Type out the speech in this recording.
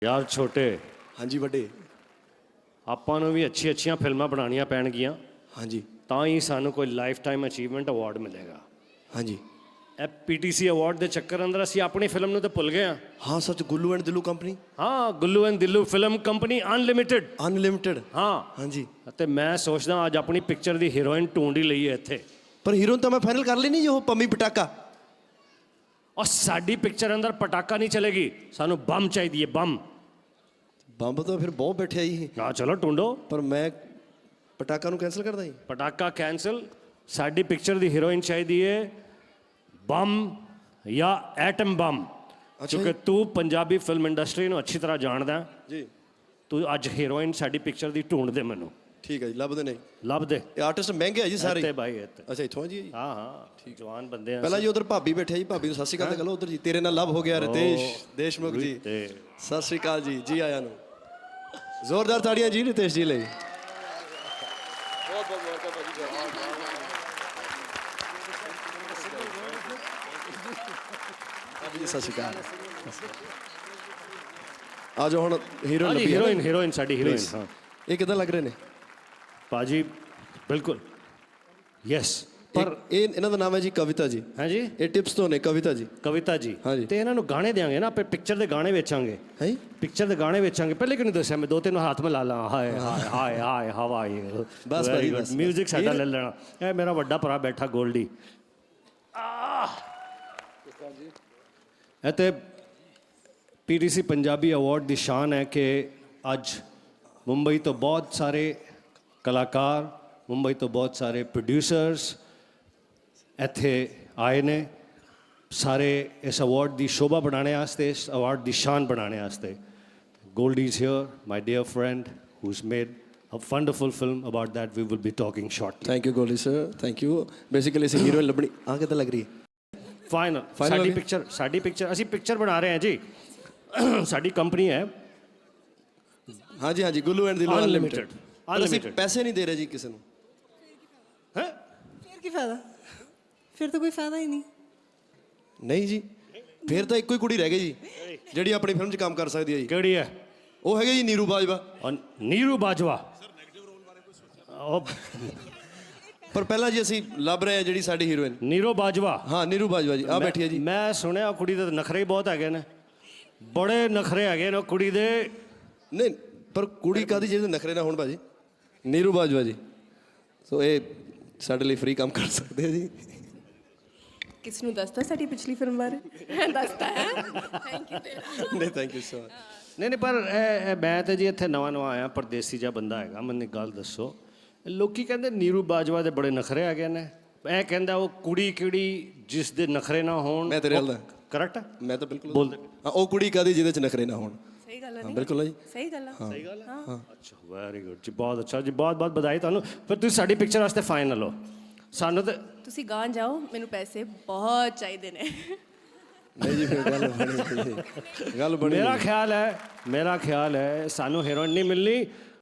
ਯਾਰ ਛੋਟੇ ਹਾਂਜੀ ਵੱਡੇ। ਆਪਾਂ ਨੂੰ ਵੀ ਅੱਛੀਆਂ ਫਿਲਮਾਂ ਬਣਾਉਣੀਆਂ ਪੈਣਗੀਆਂ ਹਾਂਜੀ ਤਾਂ ਹੀ ਸਾਨੂੰ ਕੋਈ ਲਾਈਫ ਟਾਈਮ ਅਚੀਵਮੈਂਟ ਅਵਾਰਡ ਮਿਲੇਗਾ। ਹਾਂਜੀ ਇਹ ਪੀਟੀਸੀ ਅਵਾਰਡ ਦੇ ਚੱਕਰ ਅੰਦਰ ਅਸੀਂ ਆਪਣੀ ਫਿਲਮ ਨੂੰ ਤਾਂ ਭੁੱਲ ਗਏ ਹਾਂ। ਹਾਂ ਸੱਚ, ਗੁੱਲੂ ਐਂਡ ਦਿਲੂ ਕੰਪਨੀ ਹਾਂ, Gullu and Dillu film company unlimited. Unlimited. ਹਾਂ ਹਾਂਜੀ, ਅਤੇ ਮੈਂ ਸੋਚਦਾ ਅੱਜ ਆਪਣੀ ਪਿਕਚਰ ਦੀ ਹੀਰੋਇਨ ਢੂੰਢ ਹੀ ਲਈਏ ਇੱਥੇ। ਪਰ ਹੀਰੋਇਨ ਤਾਂ ਮੈਂ ਫਾਈਨਲ ਕਰ ਲਈ ਨਹੀਂ ਜੀ, ਉਹ ਪੰਮੀ ਪਟਾਕਾ। ਔਰ ਸਾਡੀ ਪਿਕਚਰ ਅੰਦਰ ਪਟਾਕਾ ਨਹੀਂ ਚਲੇਗੀ, ਸਾਨੂੰ ਬੰਮ ਚਾਹੀਦੀ ਹੈ, ਬੰਮ। ਬੰਬ ਤਾਂ ਫਿਰ ਬਹੁਤ ਬੈਠਿਆ ਜੀ, ਹਾਂ ਚਲੋ ਢੂੰਡੋ। ਪਰ ਮੈਂ ਪਟਾਕਾ ਨੂੰ ਕੈਂਸਲ ਕਰਦਾ ਜੀ। ਪਟਾਕਾ ਕੈਂਸਲ। ਸਾਡੀ ਪਿਕਚਰ ਦੀ ਹੀਰੋਇਨ ਚਾਹੀਦੀ ਹੈ ਬੰਮ ਜਾਂ ਐਟਮ ਬੰਮ। ਕਿਉਂਕਿ ਤੂੰ ਪੰਜਾਬੀ ਫਿਲਮ ਇੰਡਸਟਰੀ ਨੂੰ ਅੱਛੀ ਤਰ੍ਹਾਂ ਜਾਣਦਾ ਜੀ। ਤੂੰ ਅੱਜ ਹੀਰੋਇਨ ਸਾਡੀ ਪਿਕਚਰ ਦੀ ਢੂੰਡ ਦੇ ਮੈਨੂੰ। ਠੀਕ ਹੈ ਜੀ, ਲੱਭਦੇ ਨੇ। ਲੱਭ ਦੇ। ਇਹ ਆਰਟਿਸਟ ਮਹਿੰਗੇ ਆ ਜੀ ਸਾਰੇ। ਇੱਥੇ ਬਾਈ ਇੱਥੇ। ਅੱਛਾ ਇੱਥੋਂ ਆ ਜੀ। ਹਾਂ ਹਾਂ ਠੀਕ, ਜਵਾਨ ਬੰਦੇ ਆ। ਪਹਿਲਾਂ ਜੀ ਉਧਰ ਭਾਬੀ ਬੈਠੇ ਜੀ, ਭਾਬੀ ਨੂੰ ਸਤਿ ਸ਼੍ਰੀ ਅਕਾਲ ਤਾਂ ਕਰੋ ਉਧਰ ਜੀ। ਤੇਰੇ ਨਾਲ ਲਵ ਹੋ ਗਿਆ ਰਿਤੇਸ਼ ਦੇਸ਼ਮੁਖ ਜੀ, ਸਤਿ ਸ਼੍ਰੀ ਅਕਾਲ ਜੀ, ਜੀ ਆਇਆਂ ਨੂੰ। ਜ਼ੋਰਦਾਰ ਤਾੜੀਆਂ ਜੀ ਰਿਤੇਸ਼ ਜੀ ਲਈ। ਸਤਿ ਸ਼੍ਰੀ ਅਕਾਲ। ਆ ਜਾਓ ਹੁਣ ਹੀਰੋਇਨ ਲੱਭੀ। ਹੀਰੋਇਨ ਸਾਡੀ ਹੀਰੋਇਨ। ਹਾਂ ਇਹ ਕਿੱਦਾਂ ਲੱਗ ਰਹੇ ਨੇ ਭਾਜੀ? ਬਿਲਕੁਲ ਯੈਸ। ਪਰ ਇਹ ਇਹਨਾਂ ਦਾ ਨਾਮ ਹੈ ਜੀ ਕਵਿਤਾ ਜੀ। ਹਾਂਜੀ, ਇਹ ਟਿਪਸ ਤੋਂ ਨੇ ਕਵਿਤਾ ਜੀ। ਕਵਿਤਾ ਜੀ। ਹਾਂਜੀ। ਤੇ ਇਹਨਾਂ ਨੂੰ ਗਾਣੇ ਦੇਾਂਗੇ ਨਾ ਆਪਾਂ, ਪਿਕਚਰ ਦੇ ਗਾਣੇ ਵੇਚਾਂਗੇ। ਹੈ ਪਿਕਚਰ ਦੇ ਗਾਣੇ ਵੇਚਾਂਗੇ। ਪਹਿਲੇ ਕਿਉਂ ਨਹੀਂ ਦੱਸਿਆ? ਮੈਂ 2-3 ਹੱਥ ਮਿਲਾ ਲਾਂ। ਹਾਏ ਹਾਏ ਹਾਏ ਹਾਏ ਹਵਾਈ। ਬਸ ਭਾਜੀ ਬਸ। ਮਿਊਜ਼ਿਕ ਸਾਡਾ ਲੈ ਲੈਣਾ। ਇਹ ਮੇਰਾ ਵੱਡਾ ਭਰਾ ਬੈਠਾ ਗੋਲਡੀ। ਇਹ ਤੇ ਪੀਟੀਸੀ ਪੰਜਾਬੀ ਅਵਾਰਡ ਦੀ ਸ਼ਾਨ ਹੈ ਕਿ ਅੱਜ ਮੁੰਬਈ ਤੋਂ ਬਹੁਤ ਸਾਰੇ ਕਲਾਕਾਰ, ਮੁੰਬਈ ਤੋਂ ਬਹੁਤ ਸਾਰੇ ਪ੍ਰੋਡਿਊਸਰਸ ਇੱਥੇ ਆਏ ਨੇ, ਸਾਰੇ ਇਸ ਅਵਾਰਡ ਦੀ ਸ਼ੋਭਾ ਬਣਾਉਣੇ ਵਾਸਤੇ, ਇਸ ਅਵਾਰਡ ਦੀ ਸ਼ਾਨ ਬਣਾਉਣੇ ਵਾਸਤੇ। Goldy is here, my dear friend, who's made a wonderful film. About that we will be talking shortly. Thank you Goldy sir, thank you. Basically ਅਸੀਂ ਹੀਰੋਇਨ ਲੱਭਣੀ। ਆ ਕਿੱਦਾਂ ਲੱਗ ਰਹੀ ਹੈ? ਫਾਈਨਲ ਸਾਡੀ ਪਿਕਚਰ ਅਸੀਂ ਪਿਕਚਰ ਬਣਾ ਰਹੇ ਹਾਂ ਜੀ। ਸਾਡੀ ਕੰਪਨੀ ਹੈ ਹਾਂਜੀ ਹਾਂਜੀ, ਗੁੱਲੂ ਐਂਡ ਦਿਲੂ ਅਨਲਿਮਿਟਿਡ। ਅਸੀਂ ਪੈਸੇ ਨਹੀਂ ਦੇ ਰਹੇ ਜੀ ਕਿਸੇ ਨੂੰ। ਹੈ ਫਿਰ ਕੀ ਫਾਇਦਾ? ਫਿਰ ਤਾਂ ਕੋਈ ਫਾਇਦਾ ਹੀ ਨਹੀਂ। ਨਹੀਂ ਜੀ, ਫਿਰ ਤਾਂ ਇੱਕੋ ਹੀ ਕੁੜੀ ਰਹਿ ਗਈ ਜੀ ਜਿਹੜੀ ਆਪਣੀ ਫਿਲਮ 'ਚ ਕੰਮ ਕਰ ਸਕਦੀ ਹੈ ਜੀ। ਕਿਹੜੀ ਹੈ? ਉਹ ਹੈਗੇ ਜੀ ਨੀਰੂ ਬਾਜਵਾ। ਨੀਰੂ ਬਾਜਵਾ। ਪਰ ਪਹਿਲਾਂ ਜੀ ਅਸੀਂ ਲੱਭ ਰਹੇ ਹਾਂ ਜਿਹੜੀ ਸਾਡੀ ਹੀਰੋਇਨ। ਨੀਰੂ ਬਾਜਵਾ। ਹਾਂ ਨੀਰੂ ਬਾਜਵਾ ਜੀ, ਆ ਬੈਠੀ ਹੈ ਜੀ। ਮੈਂ ਸੁਣਿਆ ਕੁੜੀ ਦੇ ਨਖਰੇ ਹੀ ਬਹੁਤ ਹੈਗੇ ਨੇ, ਬੜੇ ਨਖਰੇ ਹੈਗੇ ਨੇ ਕੁੜੀ ਦੇ। ਨਹੀਂ ਪਰ ਕੁੜੀ ਕਾਦੀ ਜਿਹਦੇ ਨਖਰੇ ਨਾ ਹੋਣ ਭਾਜੀ। ਨੀਰੂ ਬਾਜਵਾ ਜੀ, ਸੋ ਇਹ ਸਾਡੇ ਲਈ ਫ੍ਰੀ ਕੰਮ ਕਰ ਸਕਦੇ ਆ ਜੀ। ਕਿਸ ਨੂੰ ਦੱਸਦਾ ਸਾਡੀ ਪਿਛਲੀ ਫਿਲਮ ਬਾਰੇ? ਦੱਸਦਾ ਹੈ। ਥੈਂਕ ਯੂ ਤੇਰਾ। ਨਹੀਂ ਥੈਂਕ ਯੂ ਸੋ ਮਚ। ਨਹੀਂ ਪਰ ਇਹ ਮੈਂ ਤਾਂ ਜੀ ਇੱਥੇ ਨਵਾਂ ਆਇਆ, ਪਰਦੇਸੀ ਜਿਹਾ ਬੰਦਾ ਹੈਗਾ। ਮੈਨੂੰ ਇੱਕ ਗੱਲ ਦੱਸੋ, ਲੋਕੀ ਕਹਿੰਦੇ ਨੀਰੂ ਬਾਜਵਾ ਦੇ ਬੜੇ ਨਖਰੇ ਹੈਗੇ ਨੇ। ਇਹ ਕਹਿੰਦਾ ਉਹ ਕੁੜੀ ਕਿਹੜੀ ਜਿਸ ਦੇ ਨਖਰੇ ਨਾ ਹੋਣ। ਮੈਂ ਤੇਰੇ ਨਾਲ ਕਰੈਕਟ? ਮੈਂ ਤਾਂ ਬਿਲਕੁਲ ਬੋਲਦੇ। ਹਾਂ, ਉਹ ਕੁੜੀ ਕਾਦੀ ਜਿਹਦੇ 'ਚ ਨਖਰੇ ਨਾ ਹੋਣ। ਸਹੀ ਗੱਲ ਹੈ। ਬਿਲਕੁਲ ਹੈ ਜੀ, ਸਹੀ ਗੱਲ ਹੈ। ਸਹੀ ਗੱਲ ਹੈ। ਹਾਂ ਅੱਛਾ, ਵੈਰੀ ਗੁੱਡ ਜੀ, ਬਹੁਤ ਅੱਛਾ ਜੀ, ਬਹੁਤ ਬਹੁਤ ਵਧਾਈ ਤੁਹਾਨੂੰ। ਫਿਰ ਤੁਸੀਂ ਸਾਡੀ ਪਿਕਚਰ ਵਾਸਤੇ ਫਾਈਨਲ ਹੋ। ਸਾਨੂੰ ਤਾਂ ਤੁਸੀਂ ਗਾਂ ਜਾਓ, ਮੈਨੂੰ ਪੈਸੇ ਬਹੁਤ ਚਾਹੀਦੇ ਨੇ। ਨਹੀਂ ਜੀ ਫਿਰ ਗੱਲ ਬਣੀ। ਮੇਰਾ ਖਿਆਲ ਹੈ ਸਾਨੂੰ ਹੀਰੋਇਨ ਨਹੀਂ ਮਿਲਣੀ,